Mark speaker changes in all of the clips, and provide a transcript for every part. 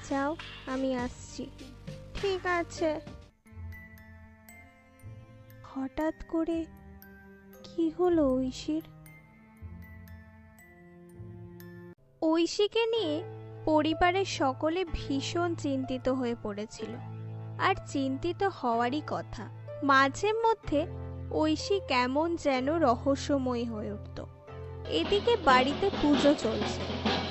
Speaker 1: যাও, আমি আসছি। ঠিক আছে। হঠাৎ করে কি হলো ঐশীর? ঐশীকে নিয়ে পরিবারের সকলে ভীষণ চিন্তিত হয়ে পড়েছিল, আর চিন্তিত হওয়ারই কথা। মাঝে মধ্যে ঐশী কেমন যেন রহস্যময়ী হয়ে উঠত। এদিকে বাড়িতে পুজো চলছে।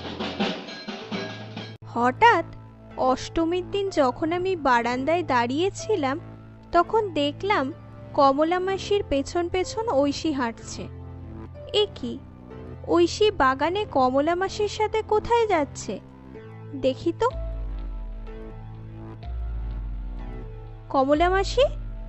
Speaker 1: হঠাৎ অষ্টমীর দিন যখন আমি বারান্দায় দাঁড়িয়েছিলাম, তখন দেখলাম কমলা মাসির পেছন পেছন ঐশী হাঁটছে। এ কি, ঐশী বাগানে কমলা মাসির সাথে কোথায় যাচ্ছে? দেখি তো। কমলা মাসি?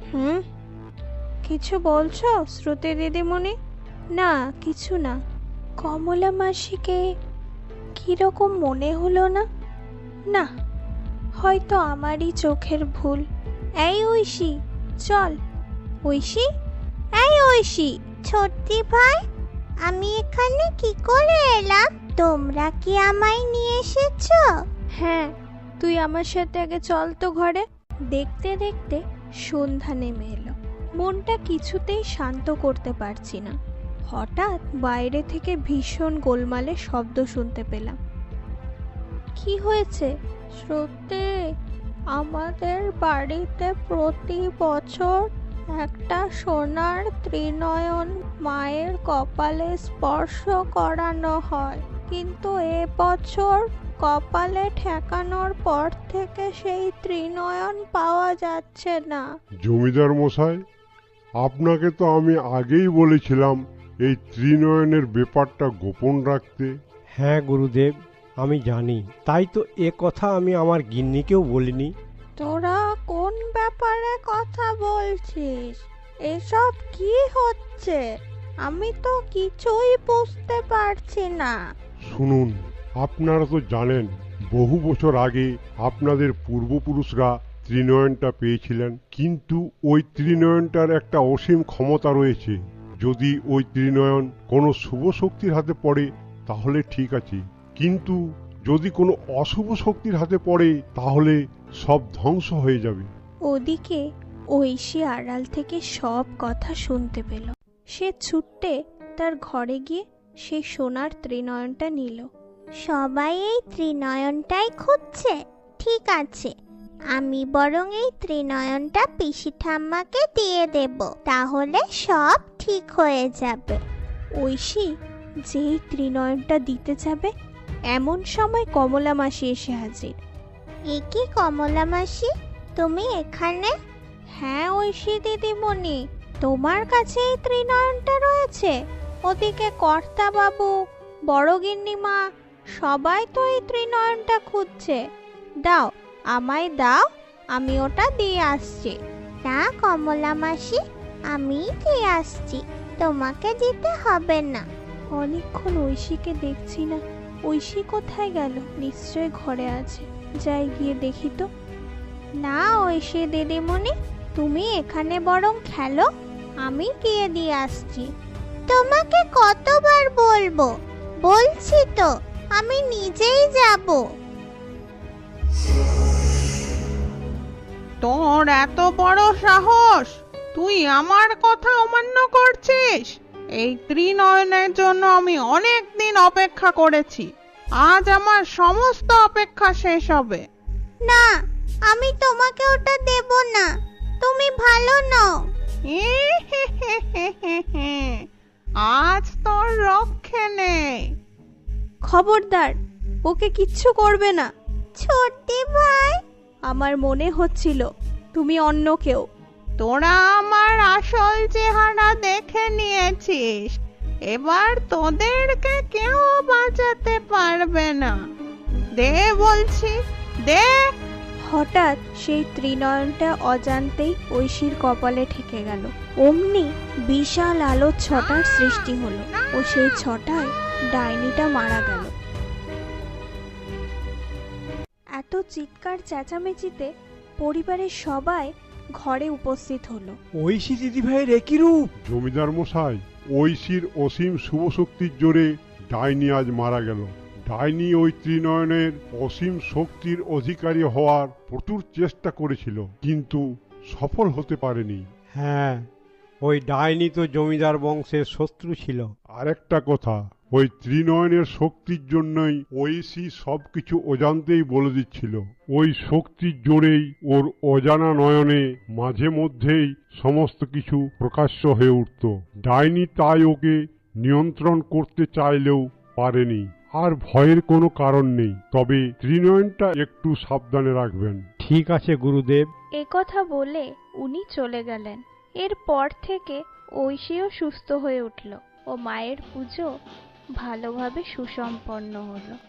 Speaker 1: কিছু বলছো শ্রুতি দিদিমণি? না, কিছু না। কমলা মাসিকে কিরকম মনে হলো না? না, হয়তো আমারই চোখের ভুল। এই ঐশী, চল। ঐশী, এই ঐশী।
Speaker 2: ছোট্টি ভাই, আমি এখানে কি করে এলাম? তোমরা কি আমায় নিয়ে এসেছো?
Speaker 1: হ্যাঁ, তুই আমার সাথে আগে চল তো ঘরে। দেখতে দেখতে সন্ধ্যা নেমে এলো। মনটা কিছুতেই শান্ত করতে পারছি না। হঠাৎ বাইরে থেকে ভীষণ গোলমালের শব্দ শুনতে পেলাম। কি হয়েছে? সত্যি আমাদের বাড়িতে প্রতি বছর একটা সোনার ত্রিনয়ন মায়ের কপালে স্পর্শ করানো হয়, কিন্তু এবছর কপালে ঠেকানোর পর থেকে সেই ত্রিনয়ন পাওয়া যাচ্ছে না।
Speaker 3: জমিদার মশাই, আপনাকে তো আমি আগেই বলেছিলাম এই ত্রিনয়নের ব্যাপারটা গোপন রাখতে।
Speaker 4: হ্যাঁ গুরুদেব, আমি জানি, তাই তো এ কথা আমি আমার গিন্নিকেও বলিনি।
Speaker 1: তোরা কোন ব্যাপারে কথা বলছিস? এসব কি হচ্ছে? আমি তো কিছুই বুঝতে পারছি না।
Speaker 3: শুনুন, আপনারা তো জানেন বহু বছর আগে আপনাদের পূর্বপুরুষরা ত্রিনয়নটা পেয়েছিলেন, কিন্তু ওই ত্রিনয়নটার একটা অসীম ক্ষমতা রয়েছে। যদি ওই ত্রিনয়ন কোনো শুভ শক্তির হাতে পড়ে তাহলে ঠিক আছে, কিন্তু যদি কোনো অশুভ শক্তির হাতে পড়ে তাহলে সব ধ্বংস হয়ে যাবে।
Speaker 1: ওদিকে ঐশী আড়াল থেকে সব কথা শুনতে পেল। সে ছুট্টে তার ঘরে গিয়ে সেই সোনার ত্রিনয়নটা নিল।
Speaker 2: সবাই এই ত্রিনয়নটাই খুঁজছে। ঠিক আছে, আমি বরং এই ত্রিনয়নটা পিসি ঠাম্মাকে দিয়ে দেব, তাহলে সব ঠিক হয়ে যাবে।
Speaker 1: ঐশী যেই ত্রিনয়নটা দিতে যাবে, এমন সময় কমলা মাসি এসে হাজির।
Speaker 2: এ কি কমলা মাসি, তুমি এখানে?
Speaker 1: হ্যাঁ ঐশী দিদিমণি, তোমার কাছে এই ত্রিনয়নটা রয়েছে। ওদিকে কর্তা বাবু, বড় গিন্নিমা সবাই তো এই ত্রিনয়নটা খুঁজছে। দাও, আমায় দাও, আমি ওটা দিয়ে আসছি।
Speaker 2: না কমলা মাসি, আমি দিয়ে আসছি, তোমাকে দিতে হবে না।
Speaker 1: অনেকক্ষণ ঐশীকে দেখছি না। ঐশী কোথায় গেল? নিশ্চয় ঘরে আছে, যাই গিয়ে দেখি তো। না ঐশী দিদিমণি, তুমি এখানে বরং খেলো, আমি গিয়ে দিয়ে আসছি।
Speaker 2: তোমাকে কতবার বলবো? বলছি তো, আমি নিজেই যাব।
Speaker 5: তোর এত বড় সাহস, তুই আমার কথা অমান্য করছিস? এই ত্রিনয়নের জন্য আমি অনেক দিন অপেক্ষা করেছি, আজ আমার সমস্ত অপেক্ষা শেষ হবে।
Speaker 2: না, আমি তোমাকে ওটা দেব না, তুমি ভালো নও।
Speaker 5: আজ তোর রক্ষে নেই।
Speaker 1: খবরদার, ওকে কিচ্ছু করবে না।
Speaker 2: ছোট্টি ভাই,
Speaker 1: আমার মনে হচ্ছিল তুমি অন্য কেউ।
Speaker 5: তোরা আমার আসল চেহারা দেখে নিয়েছিস, এবার তোদেরকে কেউ বাঁচাতে পারবে না। দে বলছি, দে।
Speaker 1: হঠাৎ সেই ত্রিনয়নটা অজান্তেই ঐশীর কপালে ঠেকে গেল। অমনি বিশাল আলোর ছটার সৃষ্টি হলো ও সেই ছটায় ডাইনিটা মারা গেল। এত চিৎকার চেঁচামেচিতে পরিবারের সবাই ঘরে উপস্থিত হলো।
Speaker 4: ঐশী দিদিভাইয়ের একই রূপ।
Speaker 3: জমিদার মশাই, ঐশীর অসীম শুভ শক্তির জোরে ডাইনি আজ মারা গেল। ডাইনি ওই ত্রিনয়নের অসীম শক্তির অধিকারী হওয়ার প্রচুর চেষ্টা করেছিল, কিন্তু সফল হতে পারেনি।
Speaker 4: হ্যাঁ, ওই ডাইনি তো জমিদার বংশের শত্রু ছিল।
Speaker 3: আরেকটা কথা, ওই ত্রিনয়নের শক্তির জন্যই ঐশী সবকিছু অজান্তেই বলে দিচ্ছিল। ওই শক্তির জোরেই ওর অজানা নয়নে মাঝে মধ্যেই সমস্ত কিছু প্রকাশ্য হয়ে উঠত। ডাইনি তাই ওকে নিয়ন্ত্রণ করতে চাইলেও পারেনি। আর ভয়ের কোনো কারণ নেই, তবে ত্রিনয়নটা একটু সাবধানে রাখবেন।
Speaker 4: ঠিক আছে গুরুদেব।
Speaker 1: এ কথা বলে উনি চলে গেলেন। এরপর থেকে ঐশীও সুস্থ হয়ে উঠল ও মায়ের পুজো ভালোভাবে সুসম্পন্ন হলো।